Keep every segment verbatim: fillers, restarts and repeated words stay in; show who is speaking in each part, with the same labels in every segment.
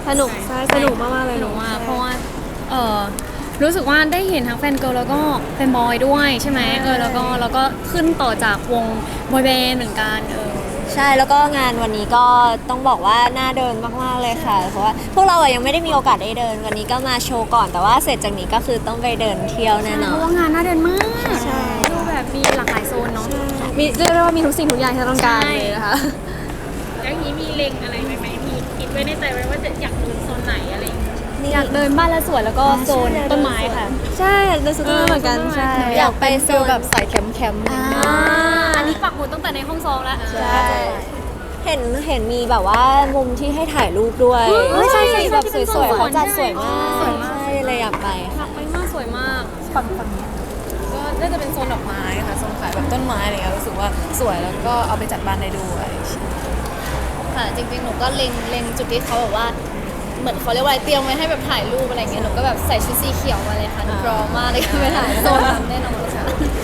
Speaker 1: สนุกใช่สนุกมากๆเลย
Speaker 2: สนุกมากเพราะว่าเออรู้สึกว่าได้เห็นทั้งแฟนเกิร์ลแล้วก็แฟนบอยด้วยใช่ไหมเออแล้วก็แล้วก็ขึ้นต่อจากวงบอยแบนด์เหมือนกันเออ
Speaker 3: ใช่แล้วก็งานวันนี้ก็ต้องบอกว่าน่าเดินมากๆเลยค่ะเพราะว่าพวกเราอะยังไม่ได้มีโอกาสได้เดินวันนี้ก็มาโชว์ก่อนแต่ว่าเสร็จจากนี้ก็คือต้องไปเดินเที่ยวแน่นอ
Speaker 2: เพ
Speaker 3: น
Speaker 2: ราะว่างานน่าเดินมาก
Speaker 1: ใช่
Speaker 2: ดูแบบมีหลากหลายโซนเนาะ
Speaker 1: มีเรียกได้ว่ามีทุกสิ่งทุกอย่างที่เราต้องการเลยนะคะ
Speaker 4: แล้วอย่างนี้มีเล็งอะไรไหมไหมมีคิดไว้ในใจไว้ว่าจะอยากดูโซนไหนอะไรอย่างเงี้ย
Speaker 2: อยากเดินบ้านและสวนแล้วก็โซนต้นไม้ค่ะ
Speaker 1: ใช่เดินสุดต้นไม้เหมือนกันใช่
Speaker 3: อยากไปโซน
Speaker 1: แบบสายแคมป์แคมป์
Speaker 3: อ่า
Speaker 2: อันนี้ปักหมุดตั้งแต่ในห้องซ้อมแล้ว
Speaker 3: ใช่เห็นเห็นมีแบบว่ามุมที่ให้ถ่ายรูปด้วย
Speaker 2: เฮ้ยใช่ใช่
Speaker 3: สีแบบสวยๆ
Speaker 2: ใช่
Speaker 3: เขาจัดสวยมาก
Speaker 2: สวยมาก
Speaker 3: ใช่เลยอยากไป
Speaker 2: อยา
Speaker 3: ค่ะ
Speaker 2: กไปมากสวยมาก
Speaker 1: ฝั่งฝั่งนี้
Speaker 5: ก็น่าจะเป็นโซนดอกไม้ค่ะโซนขายแบบต้นไม้อะไรเงี้ยรู้สึกว่าสวยแล้วก็เอาไปจัดบ้านได้ด้วย
Speaker 6: ค่ะจริงๆหนูก็เล็งเล็งจุดที่เขาแบบว่าเหมือนเขาเรียกว่าอะไรเตรียมไว้ให้แบบถ่ายรูปอะไรเงี้ยหนูก็แบบใส่ชุดสีเขียวมาเลยค่ะหนูพร้อมมากเลยค่ะไปถ่ายโซนนั้นแน่นอนค่ะ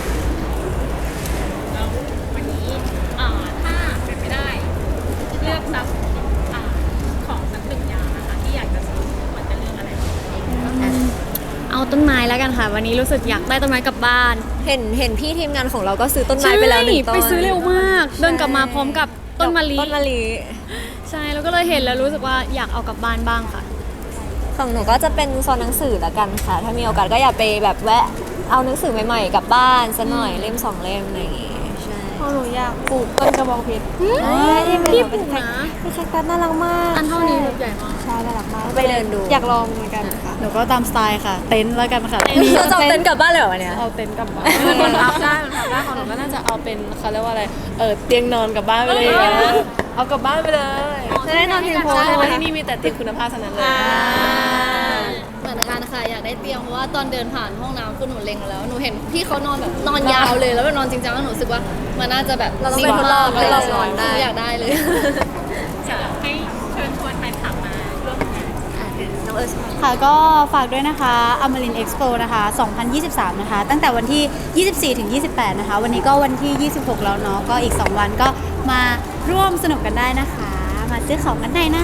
Speaker 4: แล้ววันนี้อ่าถ้าเป็นไม่ได้เลือกซับอ่าของสักหนึ่งอย่างนะคะที่อยากจะซื้อควรจะเลือกอะไรบ้าง
Speaker 2: เอาต้นไม้แล้วกันค่ะ วันนี้รู้สึกอยากได้ต้นไม้กลับบ้าน
Speaker 3: เห็นเห็นพี่ทีมงานของเราก็ซื้อต้นไม้ไปแล้วหนึ่งต้น
Speaker 2: ไปซื้อเร็วมาก เดินกลับมาพร้อมกับต้นมะลิ
Speaker 3: ต้นมะลิ
Speaker 2: ใช่แล้วก็เลยเห็นแล้วรู้สึกว่าอยากเอากลับบ้านบ้างค่ะ
Speaker 3: ของหนูก็จะเป็นโซนหนังสือละกันค่ะ ถ้ามีโอกาสก็อยากไปแบบแวะเอาหนังสือใหม่ๆกลับบ้านสักหน่อยเล่มสองเล่มอะไรอย่างงี้ใช่
Speaker 1: พอหนูอยากปลูกต้นกระบองเพชร
Speaker 2: พี่ปลูกนะ
Speaker 1: เป็นแคคตัสน่ารักมาก
Speaker 2: อันเท่านี้ใหญ่มาก
Speaker 1: ใช่น่ารักมาก
Speaker 3: ไปเดินดู
Speaker 1: อยากลองเหมือนกันค่ะ
Speaker 5: หนูก็ตามสไตล์ค่ะ เต็นท์แล้วกันค่ะ
Speaker 3: เราจะเอาเต็นท์กลับบ้านเลยเหรอวันเนี้ย
Speaker 5: เอาเต็นท์กลับบ้านมันพับได้มันพับได้ของหนูก็น่าจะเอาเป็นเขาเรียกว่าอะไรเออเตียงนอนกลับบ้านไปเลยเอากลับบ้านไปเลย
Speaker 1: จะได้นอนเพียงพอ
Speaker 5: ใช่เพ
Speaker 1: ใช่
Speaker 5: ราะ
Speaker 1: ไหม
Speaker 5: ว่า
Speaker 1: คะ
Speaker 5: ที่นี่มีแต่เตียงคุณภาพทั้งนั้นเลย
Speaker 6: เหมือนกันค่ะอยากได้เตียงเพราะว่าตอนเดินผ่านห้องน้ำคือหนูเล็งแล้วหนูเห็นพี่เขานอนแบบนอนยาวเลยแล้วแบบนอนจริงจังแล้วหนูรู้สึกว่ามันน่าจะแบบ
Speaker 3: เราต้องไปทดลอง
Speaker 6: เลย
Speaker 3: เรานอนได้
Speaker 6: อยากได้เลย
Speaker 4: อยากให้เชิญชวนแฟนคลับมาร่วมงาน
Speaker 3: น้องเอิร์ธ
Speaker 7: ค่ะก็ฝากด้วยนะคะอมรินเอ็กซ์โปนะคะสองพันยี่สิบสามนะคะตั้งแต่วันที่ยี่สิบสี่ถึงยี่สิบแปดนะคะวันนี้ก็วันที่ยี่สิบหกแล้วเนาะก็อีกสองวันก็มาร่วมสนุกกันได้นะคะ มาซื้อของกันได้นะ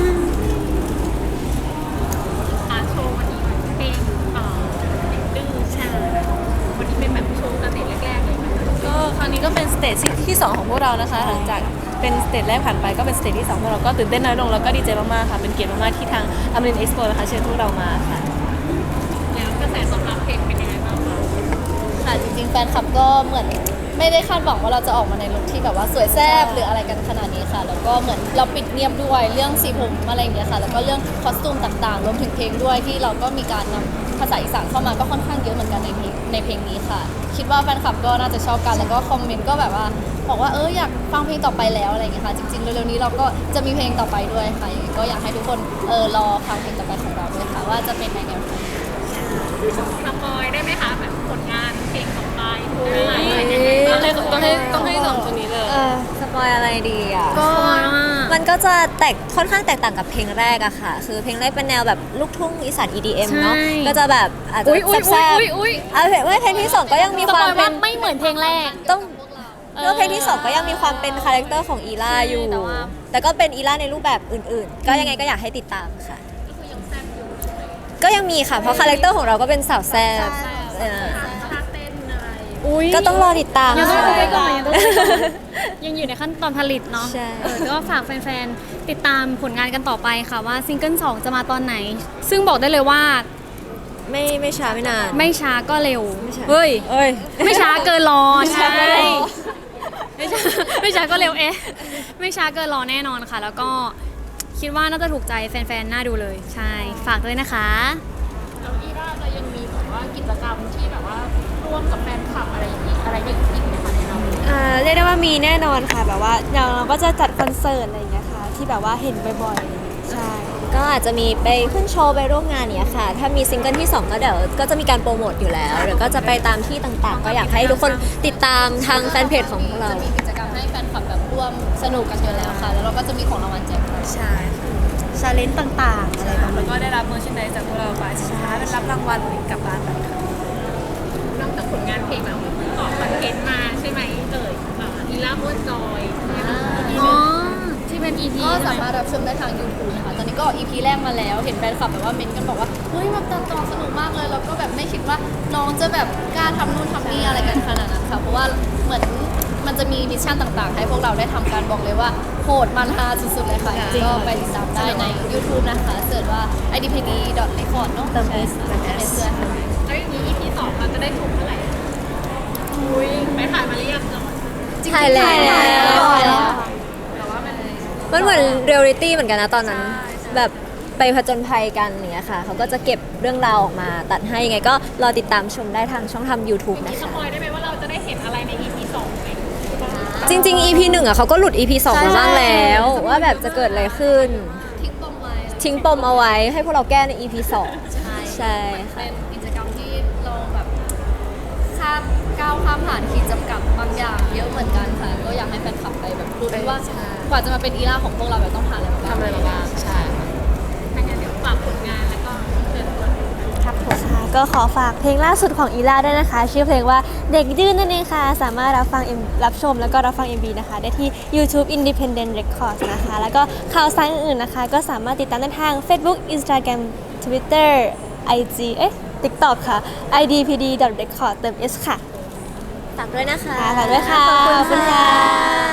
Speaker 4: อาโชว์วันนี้เพลงเอ่อดื้อใช่วันนี้เป็นแบบโชว์สเตจแรกๆเลยนะคะ
Speaker 5: ก็ครั้งนี้ก็เป็นสเตจที่สองของพวกเรานะคะ หลังจากเป็นสเตจแรกผ่านไปก็เป็นสเตจที่สองพวกเราก็ตื่นเต้นน้อยลงแล้วก็ดีใจมากๆค่ะเป็นเกียรติมากๆที่ทางอมรินเอ็กซ์โปนะคะเชิญพวกเรามาค่ะ
Speaker 4: แล้วกระแสตอบรับเพลงเป็นยังไงบ้างคะ
Speaker 6: ค่ะจริงๆแฟนคลับก็เหมือนไม่ได้คาดหวังว่าเราจะออกมาในลุคที่แบบว่าสวยแซ่บหรืออะไรกันขนาดนี้ค่ะ แล้วก็เหมือนเราปิดเงียบด้วยเรื่องสีผมอะไรอย่างเงี้ยค่ะ แล้วก็เรื่องคอสตูมต่างๆรวมถึงเพลงด้วยที่เราก็มีการนำภาษาอีสานเข้ามาก็ค่อนข้างเยอะเหมือนกันในเพลงในเพลงนี้ค่ะ คิดว่าแฟนคลับก็น่าจะชอบกันแล้วก็คอมเมนต์ก็แบบว่าบอกว่าเอออยากฟังเพลงต่อไปแล้วอะไรอย่างเงี้ยค่ะจริงๆเร็วๆนี้เราก็จะมีเพลงต่อไปด้วยค่ะยังไงก็อยากให้ทุกคนเออรอฟังเพลงต่อไปของเราด้วยค่ะว่าจะเป็นในแนวไหน
Speaker 4: สปอยได้ไหมคะแบบผลงานเพลงต่อไปอะไรยังไง
Speaker 5: ต้
Speaker 4: บ้า
Speaker 5: อง งให้ต้องให้ต้องให้สองคนนี้เลย
Speaker 3: เออสปอยอะไรดีอ่ะ
Speaker 2: ก็
Speaker 3: มันก็จะแตกค่อนข้างแตกต่างกับเพลงแรกอะค่ะ คือเพลงแรกเป็นแนวแบบลูกทุ่งอีสาน อี ดี เอ็ม เนาะ
Speaker 2: ใช่
Speaker 3: ก็จะแบบอาจจะ
Speaker 2: อุ้ยอุ้ย
Speaker 3: แซ่บ
Speaker 2: อุ้ยอุ้ย
Speaker 3: ๆเอาเพลงเพลงที่สองก็ยังมี
Speaker 2: ส
Speaker 3: ค
Speaker 2: ป
Speaker 3: วาม
Speaker 2: อย
Speaker 3: เป็
Speaker 2: ว่าน ไม่เหมือนเพลงแรก
Speaker 3: ต้อง
Speaker 2: เออ
Speaker 3: แล้วเพลงที่สองก็ยังมีความเป็นคาแรคเตอร์ของอีล่าอยู่
Speaker 2: แต่ว่า
Speaker 3: แต่ก็เป็นอีล่าในรูปแบบอื่นๆ ก็ยังไงก็อยากให้ติดตามค่ะ ก็ยังมีค่ะ เพราะคาแรคเตอร์ของเราก็เป็นสาวแซ่บเออ
Speaker 4: ท่าเต้นอะไร
Speaker 2: อุ้ย
Speaker 3: ก็ต้องรอติดตาม
Speaker 2: ยังต้อง
Speaker 3: ค่ะ
Speaker 2: ไปก่อนยังต้องไปก่อนยังอยู่ในขั้นตอนผลิตเนาะ
Speaker 3: ใช่
Speaker 2: เออก็ฝากแฟนๆ ติดตามผลงานกันต่อไปค่ะว่าซิงเกิลสองจะมาตอนไหน ซึ่งบอกได้เลยว่า
Speaker 3: ไม่ไม่ช้าไม่นาน
Speaker 2: ไม่ช้าก็เร็ว
Speaker 3: ไม่ช้า
Speaker 2: เฮ้ย
Speaker 3: เอ้ย
Speaker 2: ไม่ช้าเกินรอ
Speaker 3: ไม่ช้า
Speaker 2: ใช่
Speaker 3: เกินรอ
Speaker 2: ไม่ช้าไม่ช้าก็เร็วเอ๊ะไม่ช้าเกินรอแน่นอนค่ะ แล้วก็คิดว่าน่าจะถูกใจแฟนๆ น่าดูเลย ใช่ ฝากด้วยนะคะ
Speaker 4: แล้วอีราจะยังมีแบบว่ากิจกรรมที่แบบว่าร่วมกับแฟนคลับอะไรอย่างนี้อะไรอย่างอีกไหมคะในเรา
Speaker 1: อ่าเรียกได้ว่ามีแน่นอนค่ะแบบว่าอย่างเราก็จะจัดคอนเสิร์ตอะไรอย่างเงี้ยค่ะที่แบบว่าเห็นบ่อยๆใช่
Speaker 3: ก็อาจจะมีไปขึ้นโชว์ไปร่วมงานเนี้ยค่ะ ถ้ามีซิงเกิลที่สองก็เดี๋ยวก็จะมีการโปรโมทอยู่แล้วเดี๋ยวก็จะไปตามที่ต่างๆ ก็อยากให้ทุกคนติดตามทางแฟนเพจของพวกเรา
Speaker 6: จะมีกิจกรรมให้แฟนคลับแบบร่วมสนุกกันอยู่แล้วค่ะ แล้วเราก็จะมีของรางวัลแจกด้วย
Speaker 5: ใช่ค่ะ
Speaker 7: ชาเลนจ์ต่างๆ อะไรประมาณ
Speaker 5: แล้ว
Speaker 7: นี้
Speaker 5: ก็ได้รับเมอร์ชันไดจากพวกเราไปสุดท้ายเป็นรับรางวัลกลับบ้านไปค่ะ
Speaker 4: นอกจากผลงานเพลงแบบเพิ่งออกคอนเทนต์มาใช่ไหมเอ่ยอ่าอีล่าม้วนจอยใช่ไหม
Speaker 2: อ๋อ ที่เป็นอี พี
Speaker 6: ก็สามารถรับชมได้ทาง YouTube นะคะ ตอนนี้ก็ อี พี แรกมาแล้ว เห็นแฟนคลับแบบว่าเม้นต์กันบอกว่า เฮ้ยแบบตัดต่อสนุกมากเลย แล้วก็แบบไม่คิดว่าน้องจะแบบกล้าทำนู่นทำนี่อะไรกันขนาดนั้นค่ะ เพราะว่าเหมือนมันจะมีมิชชั่นต่างๆ ให้พวกเราได้ทำการบอกเลยว่าโหดมันฮาสุดๆเลยค่ะก็ไปติดตามได้ใน YouTube นะคะเสิร์ชว่า ไอ ดี พี ดี ดอท เรคคอร์ด เนาะเติม S เติม S ด้วยค่ะ
Speaker 4: แล้วอย่างนี้ อี พี สองเราจะได้ชมเมื่อไหร่อุ้ยไปถ่ายมาหรือยังเนาะ
Speaker 3: ถ่ายแล้ว
Speaker 4: แต่ว่ามัน
Speaker 3: มันเหมือนเรียลลิตี้เหมือนกันนะตอนนั้น แบบไปผจญภัยกันอย่างเงี้ยค่ะ เขาก็จะเก็บเรื่องราวออกมาตัดให้ยังไงก็รอติดตามชมได้ทางช่องทำ YouTube
Speaker 4: มี
Speaker 3: นะ
Speaker 4: ส
Speaker 3: คะ
Speaker 4: ปอยได้ไหมว่าเราจะได้เห็นอะไรใน อี พี สองไหม
Speaker 3: จริงๆ อี พี หนึ่งอ่ะเขาก็หลุด อี พี สองมาบ้างแล้ว ว่าแบบจะเกิดอะไรขึ้น
Speaker 6: ทิ้งปมไว้
Speaker 3: ทิ้งปมเอาไว้ให้พวกเราแก้ใน อี พี สอง
Speaker 6: ใช่
Speaker 3: ใช่
Speaker 6: เป็
Speaker 3: ค่ะ
Speaker 6: นกิจกรรมที่เราแบบข้ามก้าวข้ามผ่านขีดจำกัดบางอย่างเยอะเหมือนกันค่ะ ก็อยากให้แฟนคลับไปแบบรู้ด้วยว่ากว่าจะมาเป็นอีล่าของพวกเราแบบต้องผ่านอะไรมาบ้าง
Speaker 5: ทำอะไรมาบ้างใช่ค่ะ
Speaker 4: ถ้างั้นเดี๋ยวฝากผลงานแล้วก็เชิญชวน
Speaker 1: ครับผมค่ะก็ขอฝากเพลงล่าสุดของอีล่าด้วยนะคะ ชื่อเพลงว่าเด็กดื้อนนั่นเองค่ะ สามารถรับฟัง M รับชมแล้วก็รับฟัง เอ็ม วี นะคะ ได้ที่ YouTube Independent Records นะคะ แล้วก็ข่าวสารอื่นๆนะคะ ก็สามารถติดตามได้ทาง Facebook Instagram Twitter ไอ จี เอ๊ะ TikTok ค่ะ ไอ ดี พี ดี ดอท เรคคอร์ด เติม S ค่ะ
Speaker 3: ฝากด้วยนะคะ
Speaker 1: ค่ะฝากด้วยค่ะ
Speaker 3: ขอบคุณค่ะ